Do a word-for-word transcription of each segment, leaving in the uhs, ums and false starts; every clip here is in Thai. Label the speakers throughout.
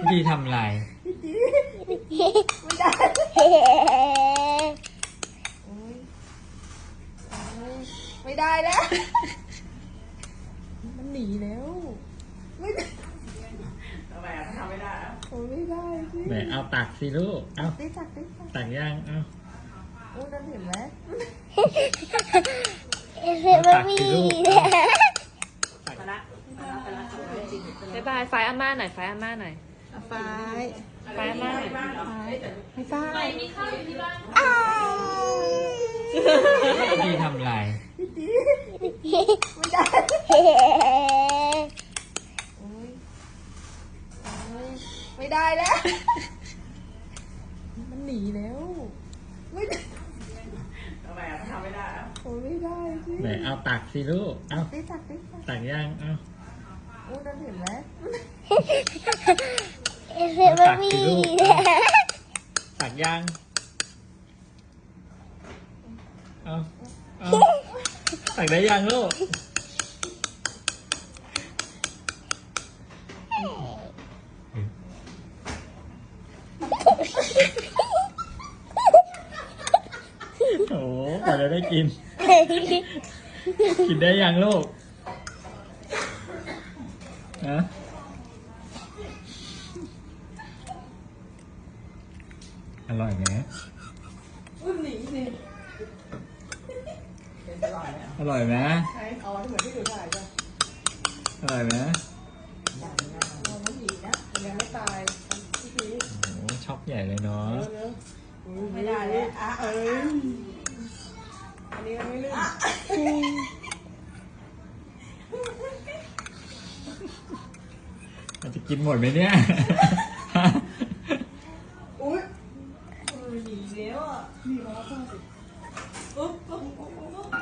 Speaker 1: พี่ทำไร
Speaker 2: ไม่ได้ไม่ได้แล้วมันหนีแล้วไม่ได้ทำไมอ่ะทำไม่ได้อ่ะโอ้ไม่ได้สิ
Speaker 1: แหมเอาตักสิลูกเอา
Speaker 2: ได้ตักได้ตัก
Speaker 1: ตักย่างเอา
Speaker 2: โอ้นั่นเห็นไหม
Speaker 1: ตักสิลูก
Speaker 3: บ๊ายบายไฟอาม่าหน่อยไฟอาม่าหน่อย
Speaker 2: ไฟ
Speaker 3: ไฟอาม่าหน่อย
Speaker 2: ไม่ไฟ
Speaker 3: มีข้าวอยู่ที่บ้าน
Speaker 1: พี่ทำไร
Speaker 2: ไม่ได้ไม่ได้แล้วมันหนีแล้วไม่ได้ทำไมอ่ะทำไม่ได้อ่ะโอ้ไม่ได้สิ
Speaker 1: แหมเอาตักสิลูกเอา
Speaker 2: ได้ตักได้ตัก
Speaker 1: ตักย่างเอา
Speaker 2: โอ้นั่นเห็นไหม
Speaker 1: ตักสิลูกตักย่างเอาเอาตักได้ยังลูกโอ้กว่าจะได้กินกินได้ยังลูกนะอร่อยไหมอร่อยไหม
Speaker 2: ใช่เอาเหมือนที่ดูถ่ายจ้ะ
Speaker 1: อร่อยไหม
Speaker 2: มันหนีนะยังไม่ตายพี่พี
Speaker 1: โอ้ช็อกใหญ่เลยเนาะ
Speaker 2: ไม่ได้แล้วอ่ะเอออันนี้มันไม่ลื่น
Speaker 1: มันจะกินหมดไหมเนี่ย
Speaker 2: อุ้ยหนีแล้วอ่ะหนีแล้วจ้าสิอุ๊บอุ๊บอุ๊บอุ๊บ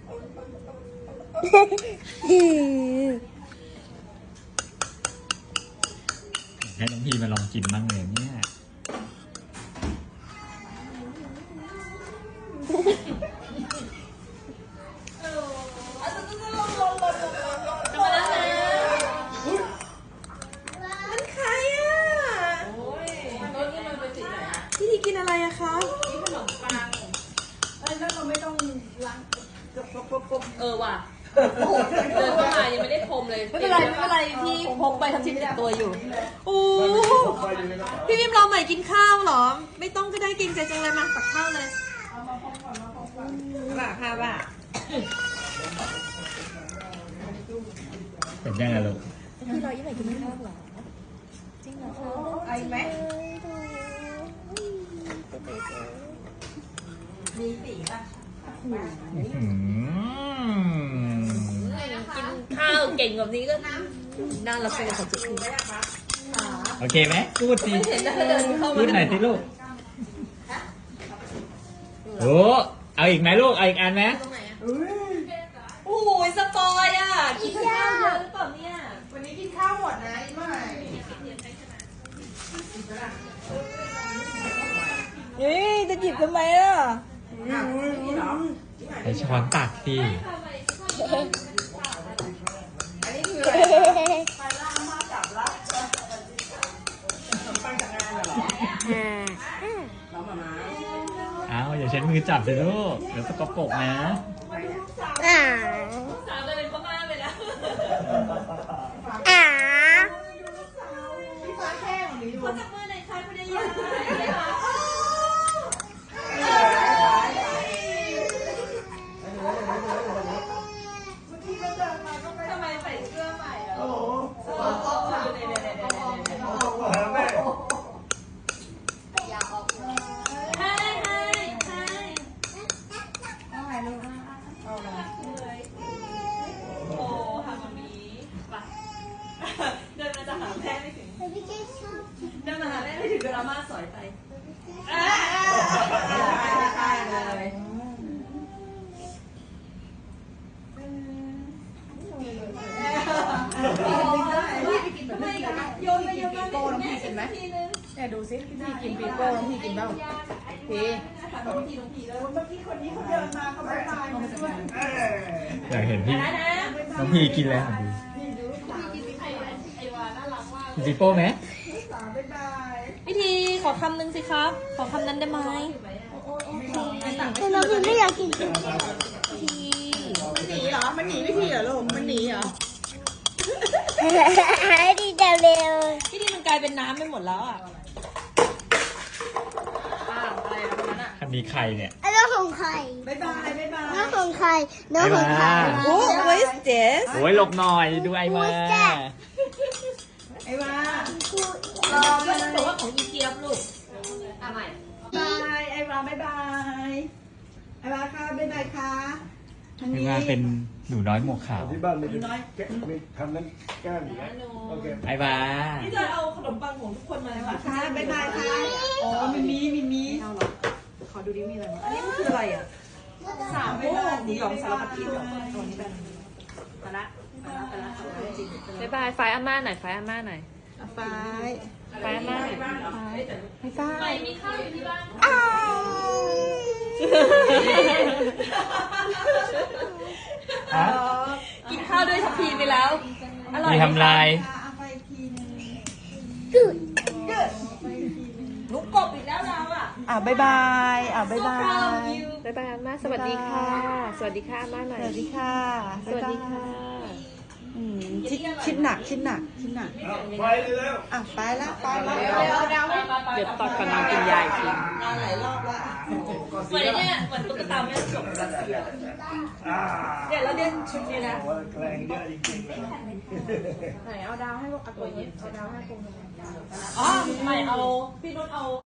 Speaker 1: ให้น้องพีมาลองกินบ้างเลยเนี่ย
Speaker 2: มันใครอ่ะพี่ทีกินอะไรอะคะกินขนมปังเอ้ยแล้วเราไม่ต้องล้าง
Speaker 3: เออว่ะเดินเข้ามายังไม่ได้พรมเลย
Speaker 2: ไม่เป็นไรไม่เป็นไรพี่พกไปทำชิ้นติดตัวอยู่โอ้พี่พิมรอใหม่กินข้าวเหรอไม่ต้องก็ได้กินใจจังเลยมาตักข้าวเลยบ้าค่ะบ้า
Speaker 1: เป็นยังไงลูก
Speaker 2: พี่รอยี่ใหม่กินข้าวเหรอจริงเหรอคะไอไหมมีสีป่ะ
Speaker 3: กินข้าวเก่งแบบนี้ก็น่ารักเลยค่ะจุ๊บ
Speaker 1: โอเคไหมพูดสิ
Speaker 3: เห็นแล้วเดินเข้ามา
Speaker 1: พูดหน่อยสิลูกโอ้เอาอีกไหมลูกเอาอีกอันไหม
Speaker 3: โอ้ยสปอยอ่ะกินข้าวเยอะหรือเปล่าเนี่ย
Speaker 2: วันนี้กินข้าวหมดนะไม่เฮ้ยจะจิบทำไมล่ะ
Speaker 1: ไอช้อนตักสิ
Speaker 2: อันนี้คืออะไรไปล่ามาจับละปังจากงานเหรอน้องมามา
Speaker 1: เอาอย่าใช้มือจับสิลูกเดี๋ยวสกปรกนะ
Speaker 3: สาวจะเป็นพ่อบ้านไปแล้ว
Speaker 2: พี่ฟ้าแข้งหรือ
Speaker 3: เขาจับมือในคายพอดียังทำไมใส่เสื้อใหม่อ่ะโอ้โหอยากออกให้ให้ให้
Speaker 2: เอาไงลูกเอาเลย
Speaker 3: โอ้ทำแบบนี้ไปเดินมาจะหาแม่ไม่ถึงเดินมาหาแม่ไม่ถึงดราม่าสอยไป
Speaker 2: ได้เลย
Speaker 3: โยนไปโยนมาโป้น้องพี่กินไหม
Speaker 2: เนี่ยดูสิพี่กินปีโป้น้องพี่กินบ้างพี่
Speaker 3: น้องพี่น้องพี่แล้ว
Speaker 2: เมื่อกี้คนนี้เขาเดินมาเขาไม่ตายมาด้วย
Speaker 1: อยากเห็นพี่น้องพีกินแล้วของพี่
Speaker 3: พี่กินไอไอวาน่ารักมาก
Speaker 1: จิโป้ไหม
Speaker 2: พี่ทีขอคำหนึ่งสิครับ ขอคำนั้นได้ไหม
Speaker 4: แต่น้องพิมไม่อยากกิน
Speaker 2: พี่ที
Speaker 3: หนีเหรอ มันหนีวิธีเหรอลูก มันหนีเหรอ
Speaker 4: ดีจังเร็ว
Speaker 2: พี่ทีมันกลายเป็นน้ำไปหมดแล้วอ่ะ
Speaker 3: อ้าว อะไรนะคนนั้นอ่ะ
Speaker 1: คันนี้ใครเนี่ย
Speaker 4: อันน้องของใคร
Speaker 3: บ๊ายบายบ๊ายบาย
Speaker 4: น้องของใครน้องของใคร
Speaker 2: โอ้ what is this
Speaker 1: โอ้ยหลบหน่อยดูไอ้มา
Speaker 3: ไอ้ว่า
Speaker 2: รอมันบอกว่าของอีเกียบลูกอ่ะใหม่
Speaker 3: บายไอ้ว่าบ๊ายบาย ไอ้ว่าค่ะบ๊ายบายค่ะทาง
Speaker 1: ไอ้
Speaker 3: นี้
Speaker 1: มาเป็นหนูน้อยหมวกขาว
Speaker 5: ที่บ้านมีแกะมีทำนั้นแก้มอย่างเงี้ยโอเค
Speaker 1: ไอ้มา
Speaker 2: พี่จะเอาขนมปังของทุกคนมาเลย
Speaker 3: ไอ้
Speaker 2: ป่ะ
Speaker 3: ว่าค่ะบ๊ายบายค่ะ อ๋อมีมีมีมีเอาเหรอ ขอดูดิมีอะไรบ้าง
Speaker 2: อันนี้มันคืออะไรอ่ะ
Speaker 3: สามโมงหมูหยองสารพัดกินหยองตัวนี้เป็นไปละไปละไปละจริง
Speaker 2: บ๊ายบายไฟอาม่าหน่อยไฟอาม่าหน่อย
Speaker 3: ไป
Speaker 2: ไฟอาม่าหน่อย
Speaker 3: ไม่กล้า
Speaker 2: ไม่มีข้าวอยู่ที่บ้าน
Speaker 3: อ้าว
Speaker 1: ฮะ
Speaker 2: กินข้าวด้วยทัพพีไปแล้ว อร่อย
Speaker 1: มี
Speaker 2: ไหม
Speaker 1: ทำลาย
Speaker 3: เอาไปอีกทีนึง
Speaker 2: ลูกกบอีกแล้วเราอ่ะ
Speaker 3: อ่ะบ๊ายบาย อ่ะบ๊ายบาย
Speaker 2: บ๊ายบายอาม่าสวัสดีค่ะ สวัสดีค่ะอาม่าหน่อย
Speaker 3: สวัสดีค่ะ
Speaker 2: สวัสดีค่ะ
Speaker 3: อืมคิดคิดหนักคิดหนักคิดหนัก
Speaker 5: ไปแล้ว
Speaker 3: อ่ะไปละไปละ
Speaker 2: เดี๋ยวตอนก่อนนอนกินยาอีกที
Speaker 3: นอนหลายรอบละ
Speaker 2: เหมือนเนี่ยเหมือนตุ๊กตาแม่จบรัสเซีย
Speaker 5: อ่า
Speaker 2: เนี่ยแล้วเด่นชุดนี้นะ
Speaker 5: โอ้ยแกล้งเยอะจริงๆเลย
Speaker 3: ไหนเอาดาวให้ลูกเอาตัวเย็นเอาดาวให้ปู
Speaker 2: อ๋อใหม่เอาพี่นุ่นเอา